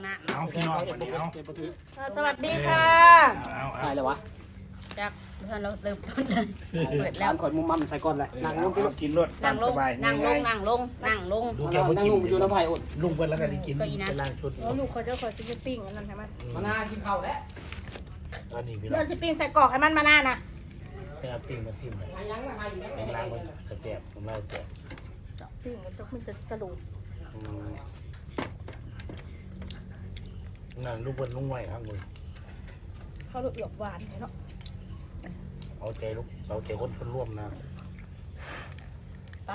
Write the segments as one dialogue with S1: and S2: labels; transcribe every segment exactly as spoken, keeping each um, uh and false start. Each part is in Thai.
S1: เอาพี่น้องวันนี้เอา
S2: สวัสดีค่ะ
S1: เอา
S3: ใช่เลยวะ
S2: จากท่านเราเริ่มต้นเลยเปิดแล้ว
S3: ข่อยมุมมั่มใส่ก่อนเลยนั่งลง
S1: เอากินรถ
S2: นั่งล
S1: ส
S2: ง
S1: บาย
S2: นั่งลงนั่งลงนั่งลง
S1: ดูแก
S3: นั่ง
S1: บ่กิน
S3: ลงอยู่น้ำไผ่อด
S1: ลุงเพิ่นแล้วก็ได้กินเป็นล่างชุด
S2: แล้วลูกเขาจะคอยจะปิ้งอันนั้นใช่ไหม
S3: มาหน้ากินข้าวแล้ว
S1: ตอนนี้พี่น้
S2: เดี๋
S1: อ
S2: ยว
S1: ง
S2: จะปิ้งใส่กรอกให้มันมาหน้านะ
S1: ไปเอาปิ้งมาซิมเลย
S3: มายังมาอยู่
S1: เป็นล่างมันกระแจบผมล่างแจบ
S2: ปิ้งมันจะมันจะกระดูก
S1: นั่นลูกเพิ่นลุงไหวข้างบน
S2: เขาเอือบหวานเนาะ
S1: เอาใจลูกเอาใจคนคนร่วมนะ
S2: ป้า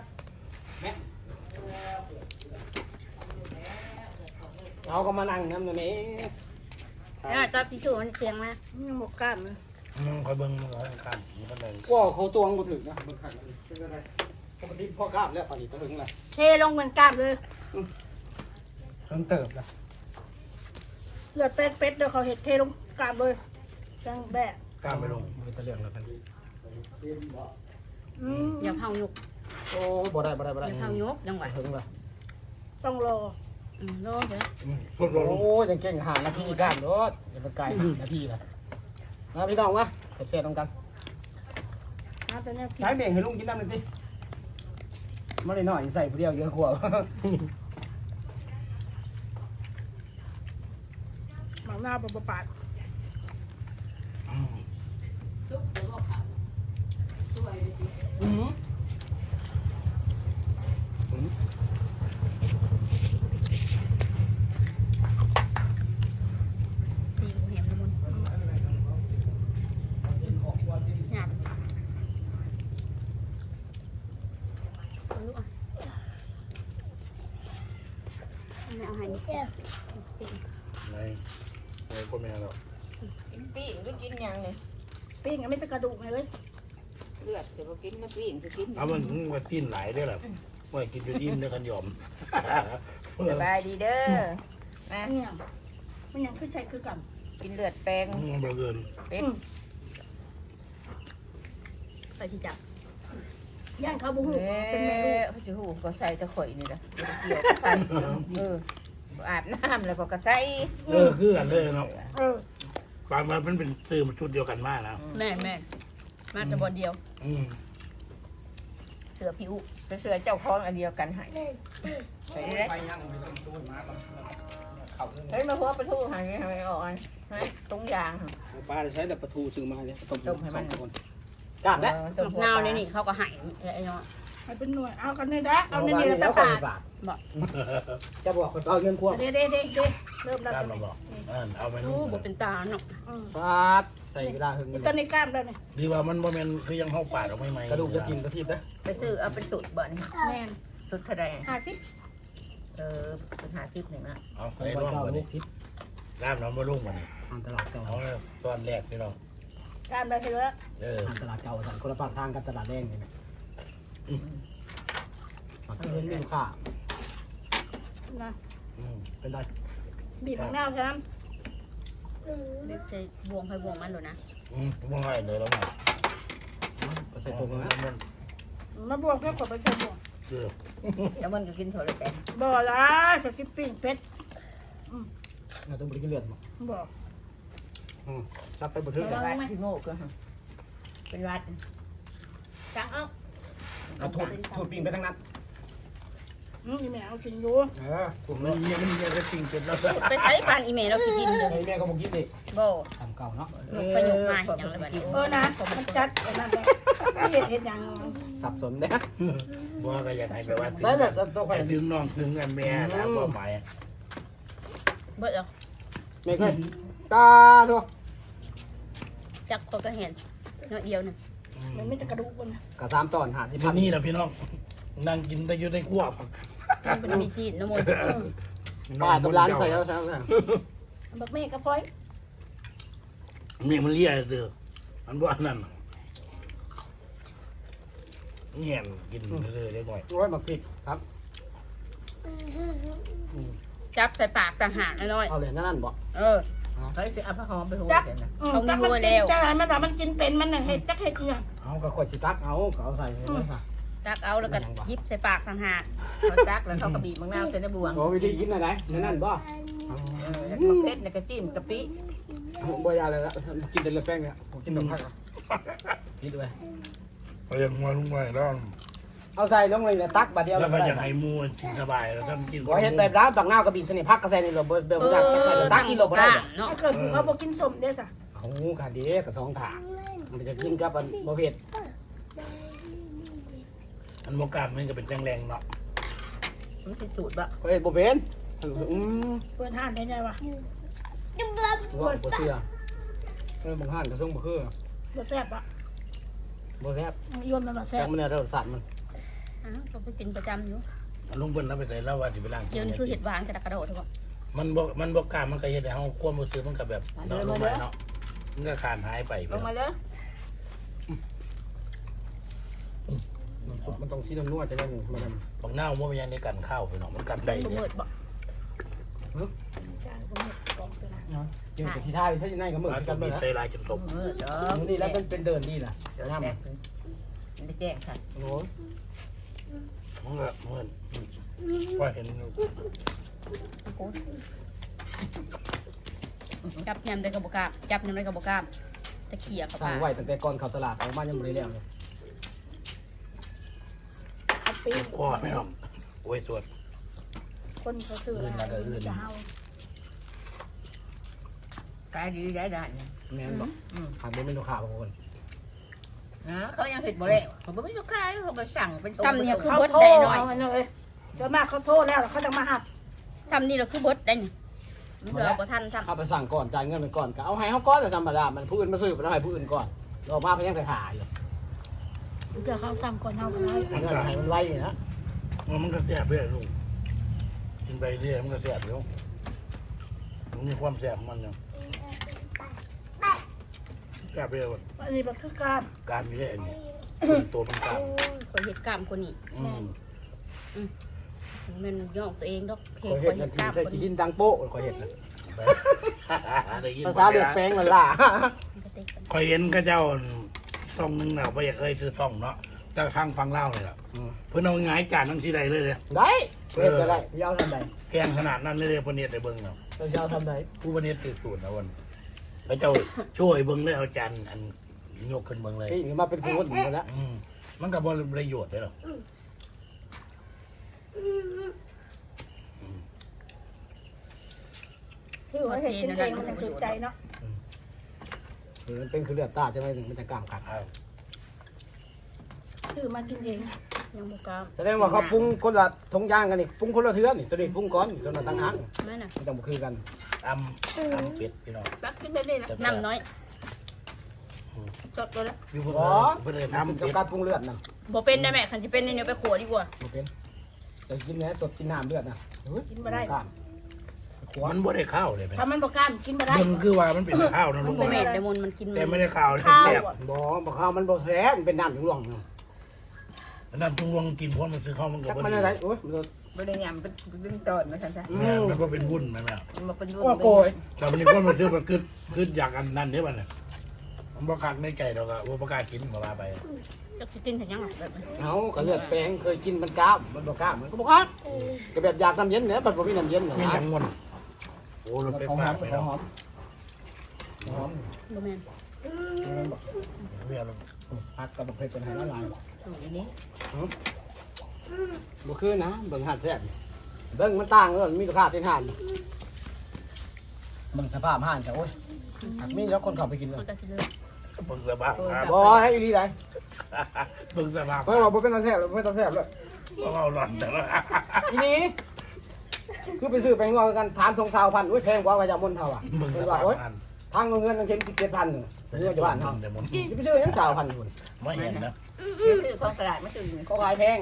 S3: เราก็มานั่งน้ำตรงนี้
S2: น่าจะพิสูจน์มันเสียงนะยังหมกกล้ามเลย
S1: อืมคอยเบิ่งมันก็ข้างมันก็เลย
S3: ว่าเขาตวงกูถึงนะมันขังเป็นอะไรปกติพ่อกล้ามแล้วตอนนี้ถึงละ
S2: เทลงเหมือนกล้ามเลย
S3: เพิ่งเติบละ
S2: เลือดเป็ดเป็ดเดี๋ยวเขาเห็ดเทลงกล้ามเลยจังแบะ
S1: กล้าไปลงมือตะเลียงแล้วกัน
S2: อย่าเผาหยุก
S3: โอ้บ่ได้บ่ได้บ่
S2: อ
S3: ได้
S2: ย่าเผาหยุกจังหวะ
S3: ถึงละ
S2: ต้องรอรอเลย
S1: สุดลง
S3: โอ้ยังเก่งหานาทีก้ามรถอย่าไปไกลนาทีละมาพี่น้องวะเสร็จๆตรงกัน
S2: นะแต่เนี่ย
S3: ใช้เบ่งให้ลุงกินน้ำหน่อยสิไม่ได้หน่อยใส่ผู้เดียวเยอะกว่า
S2: หมักหน้าปปาด
S3: อืม
S2: ตีหูเห็นละมุนหยาบเอาลูกอ่ะไม่เอาให้นี่ปิ้ง
S1: ในในพ่อแม่เรา
S4: กินปิ้งหรือกินหยังเนี่ย
S2: ปิ้งอ่ะไม่ต้องกระดูกเลย
S4: เลือดเสียบ่กินมาปิ้งจะกิน
S1: เอามันว่ากินหลายได้หรอว่ากินจนอิ่มได้กันยอม
S4: สบายดีเด้อมา
S2: เนี่ยมันยังขึ้นใจคือกัน
S4: กินเลือดแปลง
S1: บ่เกิน
S4: เป็ด
S2: ไปที่จับย่างเขาบุหู
S4: เอ้
S2: เป็นเมนู
S4: เขาจะหูก็ใส่ตะข่อยนี่แหละเกี่ยวไปเอออาบน้ำแล้วก็กระใส่
S1: เออคือกันเลยเนาะ
S2: เออบ
S1: างมันเป็นซื้อมาชุดเดียวกันมากนะ
S2: แม่แม่มาแต่บอลเดียว
S1: อืม
S2: เสือผิว
S4: ไปเสือเจ้าของอันเดียวกันให้ไปเลย
S3: ไปยังไปต้องตู้มาก่อนเขา
S4: เฮ้ยมาหัวประตูหายทำไมออกอันฮะตรงยางค่ะ
S3: ป้าจะใช้แต่ประตูซื้อมาเนี่ยต้ม
S4: ต้มให้มัน
S3: คนกล้ามแล้ว
S4: ต้
S2: หนาวเนี่ยนี่เขาก็ใหายไอ้เนาะให้เป็นหน่วยเอากันเลยนะเอา
S3: เอา
S2: ใน
S3: ใน
S2: นี้
S3: นี้
S2: แล้
S3: แล้ว ว
S2: ป
S3: ก็
S2: ลา
S3: บาทจะบอกคนเอาเงินควบ
S2: เด็ดเด็ดเด็ดเด็ดเริ่มแล้ว
S1: กล้ามมาบอกเออเอาไป
S2: โอ้
S1: นู่น
S2: บเป็นตาเนาะ
S3: บาทใส่เวลาหึง
S2: ตอนนี้กล้ามแล้วเนี่ย
S1: ดีว่ามันบ่แม่นคือยังเข้าปากออกไม่ไหม
S3: กระดูกจะกินกระทิบนะ
S4: ไปซื้อเอาเป็นสูตรบ่นี่
S2: แม่น
S4: สูตรเท่าใด
S2: ห้าสิบ
S4: เออเป็นหาสิบหนึ่งนะ
S1: เอา
S3: ใส่
S1: ไป
S3: วัน
S1: ร่อง
S3: เก้า
S1: มา
S3: ห
S1: ดิ
S3: กสิบ
S1: กล้ามน้ำมาลุ่งมาดิ
S3: ทางตลาดเก่า
S1: เอาเลยตอนแรกพี่น้อง
S2: กล้ามแล้วเห็นแล้ว
S1: เออ
S3: ทางตลาดเก่าสั่นคนละฝั่งทางกับตลาดแดงนี่มาที่เห็นลูกค้า
S2: นะ
S1: อืม
S3: เป็นไร
S2: บีบมะนาวใช่ไหมบีบใส่บวงให้บวงมันเลยนะ
S1: อืมบ่ให้เลยแล้วนะ
S3: ก็ใส่ตัวนะ
S1: มัน
S2: มาบวงแค่ขวดไปใส่บวง
S1: คือ
S4: แล้วมันก็กินโถเลยแต่
S2: บ่ละจะกินปิ้งเป็ด
S3: เราต้องบริกินเลือดมั้ง
S2: บ่
S3: จับไปบันทึก
S4: เป็นวัดที่โง่ก็ฮะเป็นวัดจังเอ้า
S3: เอาถูดถูดปิงไปทั้งนั้น
S2: อืมอีแม่เอากินอยู่
S3: เออผม
S1: มันยังมันยังจะจริงเป็นแล้ว
S2: ไปใช้ปานอีเมลเราสิกินเลย
S3: ไอ้แม่ก็บอกกินดิ
S2: บ่
S3: ทำเก่าเนาะ
S2: ยกไปยกมาเห็นอย่างไรบ้างเออนะมันจัดไอ้นั่นเลยเห็นเห็นอย่าง
S3: สับสนนะ
S1: บ่ก็อยากให้ไปว่า
S3: แล้วแต่ตัวใคร
S1: ให้ถึงน้องถึงกันแม่นะบ่หมาย
S2: เบิดเหรอ
S3: ไม่เคยตาตัว
S2: จักคนก็เห็นน้อยเดียวหนึ่งมันไม่จะกระดูกคน
S3: กระซามตอนหาสิ
S1: ที่
S3: พัน
S1: นี่นะพี่น้องนั่งกินแต่อยู่ในครัว
S2: มันเป็นมีซีนน้ำมัน
S3: บาทกับร้านใส่แล้วใส่แล้ว
S2: บักเมฆกระพ้อย
S1: เมียมันเลี้ยเด้อมันบ่อันนั้นเงี้ยกินเลยได้ก่อย
S3: โอ้ยมาปิดครับ
S2: จับใส่ปากต่างหากน้อย
S3: เอาเหรียญนั่นบอก
S2: เออ
S4: เฮ้ยสิเอาผ้าหอมไปหัวเดี๋ยวนะ
S2: เขามีหัวแล้วจักมันแต่มันกินเป็นมันน่ะเห็ดจักเห็ดเนี่ย
S3: เอากระขวดสิตักเอาเอาใส่เลยค่ะ
S2: จักเอาแล้วก็ยิบใส่ปากต่างหาก
S4: เขาซักแล้วเขากระบี่มังนาวใส่ในบวง
S3: โอ้วิธีกินอะไรนั่นบ่
S2: ก
S4: แล้วก็เผ็ดเนี่ยก็จิ้มกะปิ
S3: บ่ยาเลยละกินแต่เลือดแป้งเนี่ยผมกินแบบพักกินด้วย
S1: ไปยังมาลุงไว้แล้ว
S3: เอาใส่ลงเลยตักบาดเดียว
S1: แล้วก็
S3: ได้
S1: จะให้มูนสบายแล้วท่านกิน
S3: บ่เฮ็ดแบบร้านปักหน้ากระบี่ชนิดพักกระใส่นี่เราเบิ่งเบิ่งได้ใส่ตักกินเราบ่ได้
S5: เนาะ
S2: ถ้าเกิดผู้เขาบอกกินสมเด้อสะ
S3: โอ้ค่ะเด้กับสองถามันจะกินกับบ่เผ็ด
S1: อันโมกามมันก็เป็นจังแรงเนาะ
S4: มันเป็นสูตรบะ
S3: เฮ้ยบ่เป็นอืม
S2: เปิดห้านได้ไงวะ
S3: ว่าบ่เชื่อเออบางห้านก็ส่งบ่คือ
S2: บ่แซ่บอ่ะ
S3: บ่แซ่บ
S2: ยนมันมาแซ่
S3: แต่
S2: บ
S3: มันเนี่ยรสชาติมัน
S5: อ้าวก็ไปกินประจำอยู่
S1: ลุงเปิ้ลเราไปใส่แล้วว่าสิไปล้าง
S5: เดี๋ยวนี้คือเห็ดหวานกระดกกระโดดทุกคน
S1: มันบ่มันบ่กล้ามันก็เฮ็ดให้เฮาความรู้สึกมันก็แบบเนาะลงไปเนาะมันก็ขาดหายไป
S4: ลงมาเลย
S3: มันสุกมันต้องสีน้ำนวลจะได้มันมัน
S1: บางหน้าว่ามันยังในกันข้าวไปเนาะมันกันได้
S5: บ่
S1: เนี่
S5: เมิ
S1: ย
S5: ดบ่
S2: จานก็หมดกล่องไปนะ
S3: เกี่ยวกับที่ท่าใช่ไหมก็เหมือน
S1: อาจ
S3: กั
S1: จะ
S3: นเล
S1: มี
S3: ยนะ
S1: ใจลายจนสม
S4: เออเด้อ
S3: นี่แล้วเป็นเป็นเดินดีล่ะ
S4: เดี๋ยว
S3: น้ำ
S4: แตกเลยมันได้แจ้งค่ะ
S3: โอ้โห
S1: มันก็เหมือนว่าเห็น
S5: จับยำได้กระบอกกล้ามจับยำได้กระบอกกล้ามตะเขียกับ
S3: สร้า
S5: ปาง
S3: ไว้ตั้งแต่ก่อนเข้าตลาดออกมายังไม่ได้แล้วเลย
S2: เอาปี
S1: คอไม่หรอกโอ้ยสวด
S2: คนเขาซื้ออะไรจะเอา
S4: กายดีได้ได้เนี่ย
S3: แม่นบอกขาดบ่เป็นลูกค้าบางคน
S4: นะเขายังเผ็ดบ่แล้วเขาบ่มีลูกค้าเขาไปสั่งเป็น
S5: ซ้ำเนี่ยคือ
S2: เขา
S5: เบิด
S2: โทร
S5: ได้หน่อย
S2: เอาเลยเดี๋ยวมากเขาโทรแล้วเขาจะมาหัก
S5: ซ้ำนี่เราคือเบิดได้นี่มันเดือบ่ทันซ้
S3: เข้าไปสั่งก่อนจ่ายเงินไปก่อนก็เอาให้เขาก่อนแต่ธรรมดามันผู้อื่นมาซื้อไปให้ผู้อื่นก่อนเรามาเพียงแต่ขายอยู่
S2: เดี๋ยวเขาสั่งก่อนเอาไปเลย
S3: มันก็ให้มันไวอยู่นะ
S1: มันก็แซ่บด้วยลุงกินไปเรื่อยมันก็แซ่บอยู่มันมีความแซ่บมันอยู่แซ่บไปเลย
S2: อันนี้มันคือการ
S1: การมีเรื่อยนี่ตัวมันกลาง
S5: ำข่อยเห็ดกล้ามคนนี้
S1: อืม
S5: มันย่องตัวเองดอกเพล
S3: ค
S5: ง
S3: อย
S5: ข่
S3: เห็
S5: อ
S3: ด
S5: ย
S3: นา
S5: เห็ด
S3: ที
S5: กล้าม
S3: ใส่
S5: คน
S3: ขี้ดิ
S5: นี้
S3: นดังโป๊ะคอยเห็ดนะ
S1: ได้ยิน
S3: ภาษาเดือดแป้งมันล่ะ
S1: คอยเห็นก็เจ้าซ่องหนึงน่ะไม่อยากเคยซื้อซ่องเนาะจะทางฟังเล่าเลยล่ะเพื่อนเอาง่ายจานทั้งที่ใดเลยเลย
S3: ได้เพื่อจะได้ยาวทำได
S1: แกงขนาดนั้นเลยเลยพเนียดได้เบิ้งเนาะ
S3: ยาวทำได
S1: ผู้พเนียดติดสูตรนะวันพระเจ้าช่วยเบิ้งเลยเอาจานอันยกขึ้นเบิ้งเลย
S3: ที่มาเป็นคนอยู่แล้ว
S1: อืมมันก็บริประโยชน์เลยหรอ
S2: ที่หัวเห็ดกินเองมันจะถูกใจเนาะ
S3: มันเป็นคือเลือดตาจะไม่ถึงมันจะกล้ามกัด
S2: ซื้อมากินเอง
S5: ยังบ่กล้าม
S3: แสดงว่าเขาปรุงคนละทงย่างกันนี่ปรุงคนละเทือนนี่ตัวนี้ปรุงก่อนตัวนั้นตั้งหาง
S5: แม่น่ะ
S3: มันต้องคือกัน
S1: ตำตำเป็ดพี่น้อง
S4: ตักขึ้นไปเลยนะ
S5: น้ำน้อย
S4: สดเลยละ
S1: อยู่เพื่
S3: อ๋อ
S1: อนเพื่อน
S3: ทำ
S1: ทำ
S3: กับ
S1: เป็ด
S3: การปรุงเลือดนะ
S5: บ่เป็นได้แม่คันสิเป็นในเนื้อไปขัวดีกว่า
S3: บ่เป็นจะกินเนื้อสดกินน้ำเลือดนะ
S2: กินมาได้
S3: กล้ามขวา
S1: มันบ่ได้ข้าวเลยไหม
S2: ถ้ามันบอกการกินมาได้
S1: เบิ้งคือว่ามันเป็นข้าวนะลุง
S5: บ่
S1: บ
S5: แม่
S1: อก
S5: นแต่มนมันกิน
S1: แต่ไม่ได้ข้าวเลย
S2: ข้าว
S1: แซ่บ
S2: อ่ะ
S3: บ่บ่ข้าวมันบ่แซ่บมันเป็นน้ำถึงหลวงนะ
S1: นั่นจุงวงกินเพราะมันซื้อข้าวมันก็
S3: จัก
S1: บ่
S3: มัน
S1: ดี
S3: อะไรโอ้ยมัน
S4: บ่ได้ยำเป็นดึงตอนมาซั่นซะ
S3: อื
S1: แม่
S3: ม
S1: มันก็เป็นวุ่นไหมแม่
S4: มันบ่เป็นรุ่น
S3: โอ้โกย
S1: แต่วันนี้ก็มาซื้อมาขึ้นขึ้นอยากอันนั้นเนี่ยมันเนี่ยมันประกาศไม่ไก่ดอกอะว่าประกาศกินมาลาไป
S5: จักสิกินถึงยังแบบนี้
S3: เอาก็เลือดแปลงเคยกินมันกล้ามมันบ่กล้ามมันก็บ่กล้ามก็แบบอยากน้ำเย็นเนี่ยมันบ่มีน้ำเย็นหรอก
S1: ไม่
S3: นะ
S1: ยังงอนโอ้รถไฟฟ้าไปแล้ว
S3: หอมหอม
S5: บ่แม่น
S1: เรียก
S3: ผักกับบ่เคยเป็นให้ละลาย
S4: อันนี้
S3: บ่คือนะเบิ่งหาดแซ่บเบิ่งมันต่างเลยมีราคาที่หาดเบิ่งสภาพหาดจ้ะโอ้ยหากมีแล้วคนเข้าไปกินเล
S5: มัน
S3: ย
S5: ก็สิเลย
S1: เบิ่งสภาพครับ
S3: บ่ให้อีหลีได้
S1: เบิ่งสภาพ
S3: เพิ่นว่าบ่เป็นตาแซ่บบ่เป็นตาแซ่บเลย
S1: เพราะเอาหลอนแต่ละ
S3: อีนี่คือไปซื้อไปงอกันทานทงสาวพันอุ้ยแพงกว่าว่าจะมนเท่าอ่ะ
S1: เบิ่งส
S3: เพิ่น
S1: ภา
S3: ว่า
S1: พ
S3: โอ้ย
S1: มัน
S3: ทางเงินตั้งเข็มสิบเจ็ดพันหนึ่งเรื่องจะบ้านเฮา
S1: เดี๋ยวมัน
S3: จะไปซื้อยังสาวพันอยู่
S1: ไม่เห็นนะ
S4: คือของตลาดมันตื่น
S3: เขาขายแพง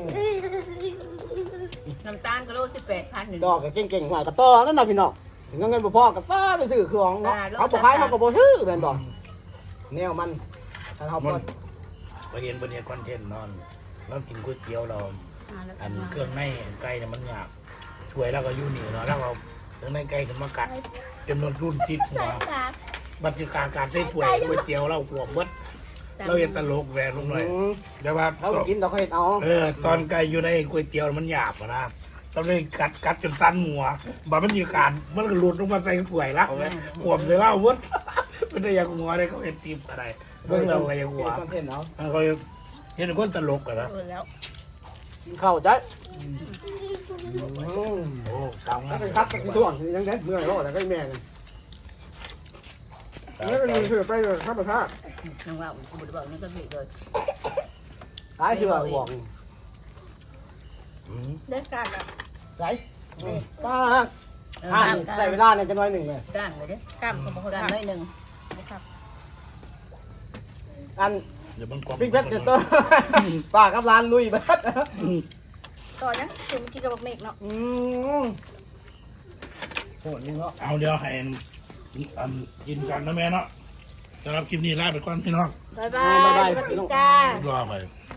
S4: น้ำตาลก็โลสิบแปดพันหนึ่ง
S3: ดอกก็เก่งๆหวยกระต้อนั่นน่ะพี่น้องเงินเงินบ่พอกระต้อไปซื้อเครื่องเนาะเขาบ่ขายเขาก็บ่ซื้อแม่นบ่แนวมันถ้าเขา
S1: มั
S3: บ่
S1: นไปเห็นบนเนี่ยคอนเทนต์นอนเรากินก๋วยเตี๋ยวเรา
S5: อ่าแล้ว
S1: อันเครื่องในไก่เนี่ยมันหยาบช่วยแล้วก็อยู่นี่เนาะแล้วเราเครื่องในไก่ขึ้นมากัดจำนวนรุ่นติดหัวบัตรการการใช้ถ้วยก๋วยเตี๋ยวเราหัวเบิดเราเห็นตลกแหวนลงหน่อย
S3: อืม
S1: แต่ว่า
S3: เขากินดอกเขาเฮ็ดเอา
S1: เออตอนไก่อยู่ในก๋วยเตี๋ยวมันหยาบอะนะตอนนี้กัดกัดจนสั้นหัวบามันมีการมันก็หลุดลงมาใส่ถ้วยแล้วขวบเลยเล่าวุ้นมันได้ยังหัวได้เขาเห็นตีมอะไรเบิ่งเราก็ยังหัว
S3: คอนเทนต์เนาะ
S1: เขาเห็นคนตลกกันนะ
S2: เออแล้ว
S3: กินข้าวใจ
S1: โอ้สาวงา
S3: ถ้าม เป็นคัดตะกี้ท่วงยังไงเมื่อยรอดแล้วก็แม่เลยแล้วก็มีเสือไปเลยข้าวปลา
S4: น้องว่าผมบ่ได้บอกนี่ก็ผิดเลย
S3: ตายที่ว่าห่วง
S2: ได้การอ่ะ
S3: ไรป้าห้าใส่เวลาเนี่ยจะน้อยหนึ่งเลย
S4: ก้างเลยเด้
S2: กล้ามก็บ่ค่อย
S4: ก้าง
S2: กล้าม
S4: น้อยหนึง
S3: อัน
S1: เดี๋ยวมันกลม
S3: ปิ๊กเพชรเดี๋ยวตัวป้ากับร้านลุยเบิด
S2: ต่อนะคือเมื่อกี้กับบักเมกเนาะ
S3: อืมโหดนี่เนาะ
S1: เอาเดี๋ยวให้อันกินกันนะแม่เนาะสำหรับคลิปนี้ลาไปก่อนพี่น้อง
S2: บ๊ายบายสวัสดีจ้า
S1: รอไป
S3: บ